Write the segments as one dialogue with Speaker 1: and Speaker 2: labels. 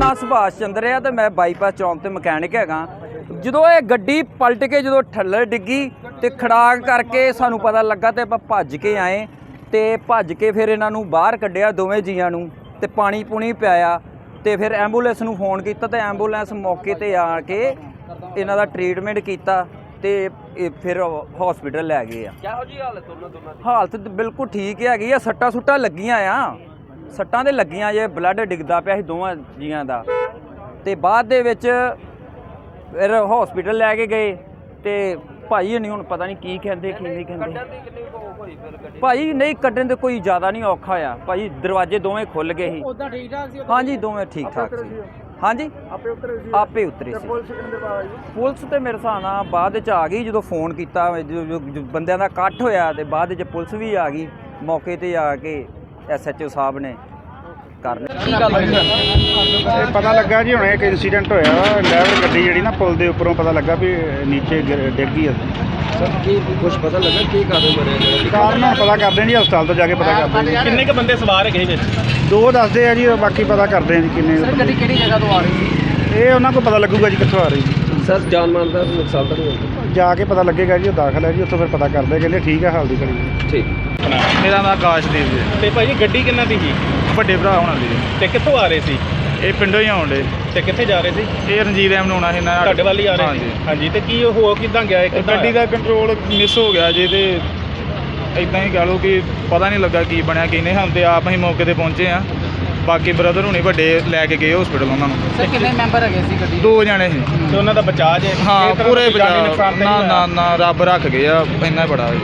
Speaker 1: ਨਾਂ ਸੁਭਾਸ਼ ਚੰਦਰ ਆ ਤੇ ਮੈਂ ਬਾਈਪਾਸ ਚੌਂਕ ਤੇ ਮਕੈਨਿਕ ਹੈਗਾ। ਜਦੋਂ ਇਹ ਗੱਡੀ ਪਲਟ ਕੇ ਜਦੋਂ ਥੱਲੇ ਡਿੱਗੀ ਤੇ ਖੜਾਕ ਕਰਕੇ ਸਾਨੂੰ ਪਤਾ ਲੱਗਾ ਤੇ ਆਪਾਂ ਭੱਜ ਕੇ ਆਏ ਤੇ ਭੱਜ ਕੇ ਫਿਰ ਇਹਨਾਂ ਨੂੰ ਬਾਹਰ ਕੱਢਿਆ ਦੋਵੇਂ ਜੀਆਂ ਨੂੰ ਤੇ ਪਾਣੀ ਪੂਣੀ ਪਿਆਇਆ ਤੇ ਫਿਰ ਐਂਬੂਲੈਂਸ ਨੂੰ ਫੋਨ ਕੀਤਾ ਤੇ ਐਂਬੂਲੈਂਸ ਮੌਕੇ ਤੇ ਆ ਕੇ ਇਹਨਾਂ ਦਾ ਟ੍ਰੀਟਮੈਂਟ ਕੀਤਾ ਤੇ ਫਿਰ ਹਸਪੀਟਲ ਲੈ ਗਏ ਆ।
Speaker 2: ਕਿਹੋ ਜੀ ਹਾਲਤ ਉਹਨਾਂ ਦੋਨਾਂ ਦੀ?
Speaker 1: ਹਾਲਤ ਬਿਲਕੁਲ ਠੀਕ ਹੈਗੀ ਆ। ਸੱਟਾਂ ਸੁੱਟਾਂ ਲੱਗੀਆਂ ਆ, ਸੱਟਾਂ ਦੇ ਲੱਗੀਆਂ ਜੇ ਬਲੱਡ ਡਿੱਗਦਾ ਪਿਆ ਸੀ ਦੋਵਾਂ ਜੀਆਂ ਦਾ ਤੇ ਬਾਅਦ ਦੇ ਵਿੱਚ ਫਿਰ ਹਸਪੀਟਲ ਲੈ ਕੇ ਗਏ ਤੇ ਭਾਈ ਨਹੀਂ ਹੁਣ ਪਤਾ ਨਹੀਂ ਕੀ ਕਹਿੰਦੇ ਕੀ ਨਹੀਂ ਕਹਿੰਦੇ। ਭਾਈ ਨਹੀਂ ਕੱਢਣ ਦੇ ਕੋਈ ਜ਼ਿਆਦਾ ਨਹੀਂ ਔਖਾ ਆ ਭਾਈ, ਦਰਵਾਜ਼ੇ ਦੋਵੇਂ ਖੁੱਲ ਗਏ ਸੀ।
Speaker 2: ਉਦਾਂ ਠੀਕ ਠਾਕ ਸੀ?
Speaker 1: ਹਾਂਜੀ ਦੋਵੇਂ ਠੀਕ ਠਾਕ ਸੀ। ਹਾਂਜੀ ਆਪੇ ਉਤਰੇ ਸੀ। ਪੁਲਿਸ ਤੇ ਮੇਰੇ ਹਿਸਾਬ ਨਾਲ ਬਾਅਦ ਵਿੱਚ ਆ ਗਈ ਜਦੋਂ ਫੋਨ ਕੀਤਾ, ਜੋ ਬੰਦਿਆਂ ਦਾ ਇਕੱਠ ਹੋਇਆ ਤੇ ਬਾਅਦ ਵਿੱਚ ਪੁਲਿਸ ਵੀ ਆ ਗਈ ਮੌਕੇ ਤੇ ਆ ਕੇ। SHO ਸਾਹਿਬ ਨੇ ਕਰ ਲਿਆ।
Speaker 2: ਕੀ ਗੱਲ ਹੋਈ?
Speaker 3: ਇਹ ਪਤਾ ਲੱਗਾ ਜੀ ਹੁਣੇ ਇੱਕ ਇੰਸੀਡੈਂਟ ਹੋਇਆ ਵਾ, ਡਰਾਈਵਰ ਗੱਡੀ ਜਿਹੜੀ ਨਾ ਪੁਲ ਦੇ ਉੱਪਰੋਂ ਪਤਾ ਲੱਗਾ ਵੀ ਨੀਚੇ ਡਿੱਗ ਗਈ।
Speaker 2: ਸਰ ਕੀ ਕੁਝ ਪਤਾ ਲੱਗਾ ਕੀ ਕਾਰਨ ਬਣਿਆ?
Speaker 3: ਕਾਰਨ ਹੁਣ ਪਤਾ ਕਰਦੇ ਜੀ, ਹਸਪਤਾਲ ਤੋਂ ਜਾ ਕੇ ਪਤਾ ਕਰਦੇ ਜੀ।
Speaker 4: ਕਿੰਨੇ ਕ ਬੰਦੇ ਸਵਾਰ ਹੈਗੇ ਵਿੱਚ?
Speaker 3: ਦੋ ਦੱਸਦੇ ਆ ਜੀ, ਬਾਕੀ ਪਤਾ ਕਰਦੇ ਆ ਜੀ ਕਿੰਨੇ।
Speaker 2: ਸਰ ਗੱਡੀ ਕਿਹੜੀ ਜਗ੍ਹਾ ਤੋਂ ਆ ਰਹੀ ਸੀ?
Speaker 3: ਇਹ ਉਹਨਾਂ ਕੋਲ ਪਤਾ ਲੱਗੂਗਾ ਜੀ ਕਿੱਥੋਂ ਆ ਰਹੀ ਜੀ।
Speaker 2: ਸਰ ਜਾਨ ਮਾਲ ਦਾ ਨੁਕਸਾਨ ਤਾਂ ਨਹੀਂ ਹੋਇਆ?
Speaker 3: ਜਾ ਕੇ ਪਤਾ ਲੱਗੇਗਾ ਜੀ, ਉਹ ਦਾਖਲ ਹੈ ਜੀ, ਉੱਥੋਂ ਫਿਰ ਪਤਾ ਕਰਦੇ ਕਹਿੰਦੇ ਠੀਕ ਹੈ ਹਾਲ ਦੀ ਘੜੀ।
Speaker 2: ਠੀਕ।
Speaker 3: ਮੇਰਾ ਨਾਮ ਆਕਾਸ਼ਦੀਪ ਜੀ।
Speaker 4: ਤੇ ਭਾਈ ਗੱਡੀ ਕਿੰਨਾ ਦੀ ਸੀ?
Speaker 3: ਵੱਡੇ ਭਰਾ ਹੋਣਾ ਦੀ।
Speaker 4: ਤੇ ਕਿੱਥੋਂ ਆ ਰਹੇ ਸੀ?
Speaker 3: ਇਹ ਪਿੰਡੋਂ ਹੀ ਆਉਂਦੇ।
Speaker 4: ਤੇ ਕਿੱਥੇ ਜਾ ਰਹੇ ਸੀ?
Speaker 3: ਇਹ ਰਣਜੀਤ ਐਮ ਨੂੰ ਆਉਣਾ ਸੀ ਨਾ
Speaker 4: ਤੁਹਾਡੇ ਵੱਲ ਹੀ ਆ ਰਹੇ ਸੀ? ਹਾਂਜੀ। ਤੇ ਕੀ ਹੋ ਕਿੱਦਾਂ ਗਿਆ? ਇੱਕ
Speaker 3: ਗੱਡੀ ਦਾ ਕੰਟਰੋਲ ਮਿਸ ਹੋ ਗਿਆ ਜੀ ਤੇ ਇਦਾਂ ਹੀ ਕਹ ਲਓ ਕਿ ਪਤਾ ਨਹੀਂ ਲੱਗਾ ਕੀ ਬਣਿਆ ਕੀ ਨਹੀਂ। ਹੁਣ ਤੇ ਆਪ ਅਸੀਂ ਮੌਕੇ ਤੇ ਪਹੁੰਚੇ ਆ, ਬਾਕੀ ਬ੍ਰਦਰ ਹੁਣੀ ਵੱਡੇ ਲੈ ਕੇ ਗਏ ਹਸਪੀਟਲ ਉਹਨਾਂ ਨੂੰ।
Speaker 2: ਸਰ ਕਿੰਨੇ ਮੈਂਬਰ ਹੈਗੇ ਸੀ ਗੱਡੀ?
Speaker 3: ਦੋ ਜਣੇ ਸੀ।
Speaker 4: ਤੇ ਉਹਨਾਂ ਦਾ ਬਚਾਅ ਜੇ?
Speaker 3: ਹਾਂ ਪੂਰੇ
Speaker 4: ਨੁਕਸਾਨ
Speaker 3: ਨਾ ਨਾ ਨਾ ਰੱਬ ਰੱਖ ਗਏ ਆ, ਇੰਨਾ ਹੀ ਬੜਾ।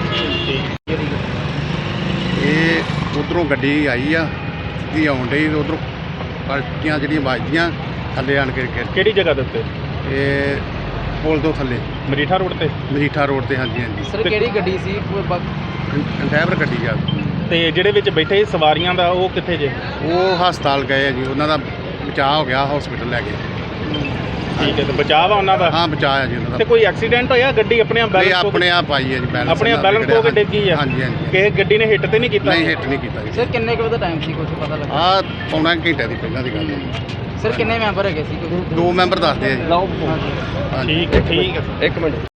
Speaker 5: ਇਹ ਉਧਰੋਂ ਗੱਡੀ ਆਈ ਆ ਸਿੱਧੀ ਆਉਣ ਡਈ ਤੇ ਉਧਰੋਂ ਪਲਟੀਆਂ ਜਿਹੜੀਆਂ ਵੱਜਦੀਆਂ ਥੱਲੇ ਆਣ ਕੇ
Speaker 4: ਕਿਹੜੀ ਜਗ੍ਹਾ ਦੇ ਉੱਤੇ?
Speaker 5: ਇਹ ਪੁਲ ਤੋਂ ਥੱਲੇ
Speaker 4: ਮਰੀਠਾ ਰੋਡ ਤੇ?
Speaker 5: ਮਜੀਠਾ ਰੋਡ ਤੇ। ਹਾਂਜੀ ਹਾਂਜੀ
Speaker 2: ਸਰ ਕਿਹੜੀ ਗੱਡੀ ਸੀ?
Speaker 5: ਕੰਟੈਨਰ ਗੱਡੀ ਆ।
Speaker 4: ਤੇ ਜਿਹੜੇ ਵਿੱਚ ਬੈਠੇ ਸਵਾਰੀਆਂ ਦਾ ਉਹ ਕਿੱਥੇ ਜੇ?
Speaker 5: ਉਹ ਹਸਪਤਾਲ ਗਏ ਆ ਜੀ, ਉਹਨਾਂ ਦਾ ਬਚਾਅ ਹੋ ਗਿਆ, ਹਸਪੀਟਲ ਲੈ ਗਏ।
Speaker 4: ਠੀਕ ਹੈ। ਤੇ ਬਚਾਅ ਵਾ ਉਹਨਾਂ ਦਾ?
Speaker 5: ਹਾਂ ਬਚਾਅ ਆ ਜੀ ਉਹਨਾਂ
Speaker 4: ਤੇ
Speaker 5: ਦਾ।
Speaker 4: ਕੋਈ ਐਕਸੀਡੈਂਟ ਹੋਇਆ? ਗੱਡੀ ਆਪਣੇ ਆਪ
Speaker 5: ਇਹ
Speaker 4: ਬੈਲੈਂਸ
Speaker 5: ਆਪਣੇ ਆਪ ਆਈ ਹੈ ਜੀ, ਬੈਲੈਂਸ
Speaker 4: ਆਪਣੇ ਆਪ ਬੈਲੈਂਸ ਹੋ ਕੇ ਡਿੱਗੀ ਆ?
Speaker 5: ਹਾਂਜੀ ਹਾਂਜੀ।
Speaker 4: ਕਿਸੇ ਗੱਡੀ ਨੇ ਹਿੱਟ ਤੇ ਨਹੀਂ ਕੀਤਾ?
Speaker 5: ਨਹੀਂ ਹਿੱਟ ਨਹੀਂ ਕੀਤਾ ਜੀ।
Speaker 2: ਸਰ ਕਿੰਨੇ ਕੁ ਵਜੇ ਟਾਈਮ ਸੀ ਕੁਝ ਪਤਾ ਲੱਗਾ?
Speaker 5: ਆਹ ਪੌਣਾ ਘੰਟੇ ਦੀ ਪਹਿਲਾਂ ਦੀ ਗੱਲ ਹੈ।
Speaker 2: ਸਰ ਕਿੰਨੇ ਮੈਂਬਰ ਹੈਗੇ ਸੀ?
Speaker 5: ਦੋ ਮੈਂਬਰ ਦੱਸਦੇ ਆ ਜੀ।
Speaker 2: ਹਾਂਜੀ।
Speaker 5: ਹਾਂਜੀ।
Speaker 4: ਠੀਕ ਹੈ। ਇੱਕ ਮਿੰਟ।